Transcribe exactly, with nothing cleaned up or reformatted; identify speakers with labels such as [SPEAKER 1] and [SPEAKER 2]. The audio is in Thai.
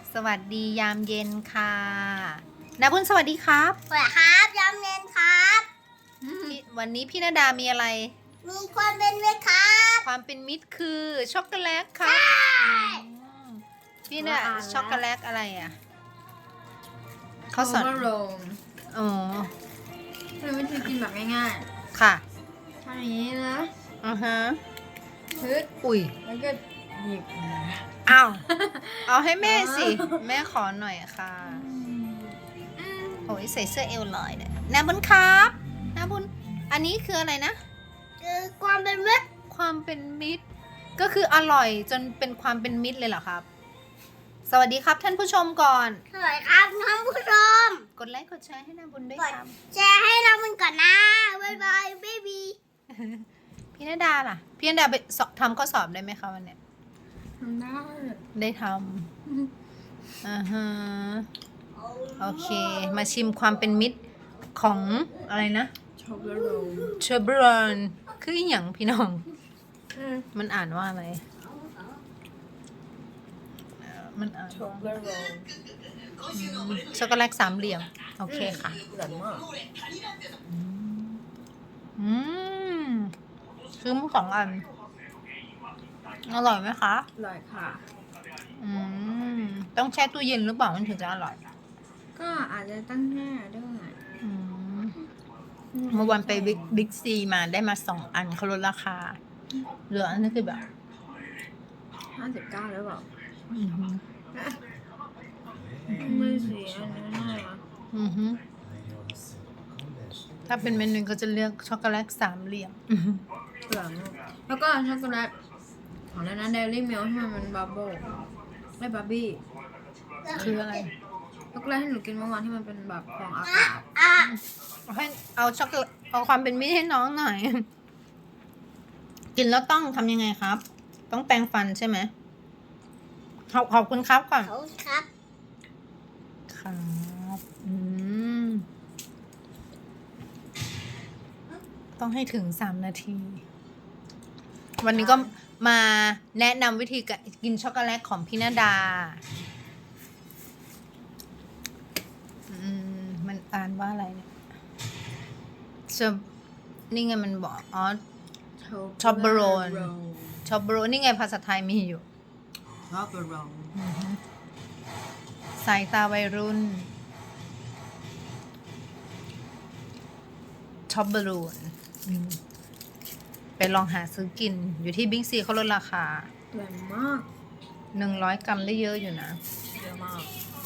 [SPEAKER 1] สวัสดียามเย็นค่ะนาบุญสวัสดีครับ
[SPEAKER 2] สวัสดีครับยามเย็นครับ
[SPEAKER 1] พี่วันนี้พี่นาดามีอะไร
[SPEAKER 2] มีความเป็นเวทครับ
[SPEAKER 1] ความเป็นมิตรคือช็อกโกแลตครับอืมพี่น่ะช็อกโกแลตอะไรอ่ะเขาสอน
[SPEAKER 3] โรม
[SPEAKER 1] อ๋อ
[SPEAKER 3] เป็นวิธีกินแบบง่าย
[SPEAKER 1] ค่ะ
[SPEAKER 3] ๆทำอย่างนี้นะ
[SPEAKER 1] อือฮะ
[SPEAKER 3] พึด
[SPEAKER 1] อุ้ย
[SPEAKER 3] แล้วก็หยิบ
[SPEAKER 1] อ้าวเอาให้แม่สิ แม่ขอหน่อยค่ะโอ้ยใส่เสื้อเอวลอยเนี่ยนาบุญครับนาบุญอันนี้คืออะไรนะ
[SPEAKER 2] คือความเป็นเวท
[SPEAKER 1] ความเป็นมิตร ก็คืออร่อยจนเป็นความเป็นมิตรเลยเหรอครับ สวัสดีครับท่านผู้ชมก่อน
[SPEAKER 2] สวัสดีครับท่านผู้ชม
[SPEAKER 1] กดไลค์กดแชร์ให้นาบุญด้วยครับ
[SPEAKER 2] แชร์ให้เรามันก่อนนะบ๊ายบายเบบี
[SPEAKER 1] พี่นาดาล่ะ พี่นาดาไปสอบทำข้อสอบได้ไหมคะวันเนี้ย
[SPEAKER 3] ทำได้
[SPEAKER 1] ได้ทำอ่าฮะโอเค มาชิมความเป็นมิตรของอะไรนะ
[SPEAKER 3] ช็อกโกแลต
[SPEAKER 1] เชอร์บรอนคืออหย่างพี่น้อง มันอ่านว่าอะไรเอ่อมันอ่าน
[SPEAKER 3] ช็อก
[SPEAKER 1] ว่า
[SPEAKER 3] โกแลต
[SPEAKER 1] อืมช็อกโกแลตสามเหลี่ยม โอเคค่ะ
[SPEAKER 3] หวานมาก
[SPEAKER 1] อืมซื้อมาสองอัน อร่อยไหมคะ
[SPEAKER 3] อร่อยค่ะ
[SPEAKER 1] อืม ต้องแช่ตู้เย็นหรือเปล่ามันถึงจะอร่อย
[SPEAKER 3] ก็อาจจะตั้งแค่ด้วย
[SPEAKER 1] อืม เมื่อวันไปบิ๊กบิ๊กซีมาได้มาสองอันเขาลดราคา เหลืออันนี้คือแบบ
[SPEAKER 3] ห้าสิบเก้าแล้วเปล่า
[SPEAKER 1] อือหือ
[SPEAKER 3] ไม่เสียอันนี้น่ารัก
[SPEAKER 1] อือหือถ้าเป็นเมนูก็จะเลือกช็อกโกแลตสามเหลี่ยมอือหือ
[SPEAKER 3] อร่อยมากแล้วก็ช็อกโกแลตของแล้วนะเดลี่มิลที่มันเป็นบับเบิ้ลไม่บับบี้
[SPEAKER 1] คืออะไร
[SPEAKER 3] ช็อกโกแลตที่หนูกินเมื่อวานที่มันเป็นแบบฟองอากาศ
[SPEAKER 2] อ่ะ
[SPEAKER 1] เอาให้เอาช็อกโกแลตเอาความเป็นมิตรให้น้องหน่อย กินแล้วต้องทำยังไงครับ ต้องแปรงฟันใช่ไหมขอบขอบคุณครับก่อน
[SPEAKER 2] เขาครับ
[SPEAKER 1] ครับอืม ต้องให้ถึงสามนาที วันนี้ก็มาแนะนำวิธีการกินช็อกโกแลตของพี่นาดา อืม มันอ่านว่าอะไรเนี่ยจะนี่ไงมันบอก อ๋อ ช็อกโกแลต ชอบโบรนี่ไงภาษาไทยมีอยู่
[SPEAKER 3] ช็อกโกแลต
[SPEAKER 1] สายตาวัยรุ่นช็อปบอลูนไปลองหาซื้อกิน อยู่ที่บิ๊กซีเขาลดราคา
[SPEAKER 3] แรงมาก
[SPEAKER 1] หนึ่งร้อยกรัมได้เยอะอยู่นะ
[SPEAKER 3] เยอะมาก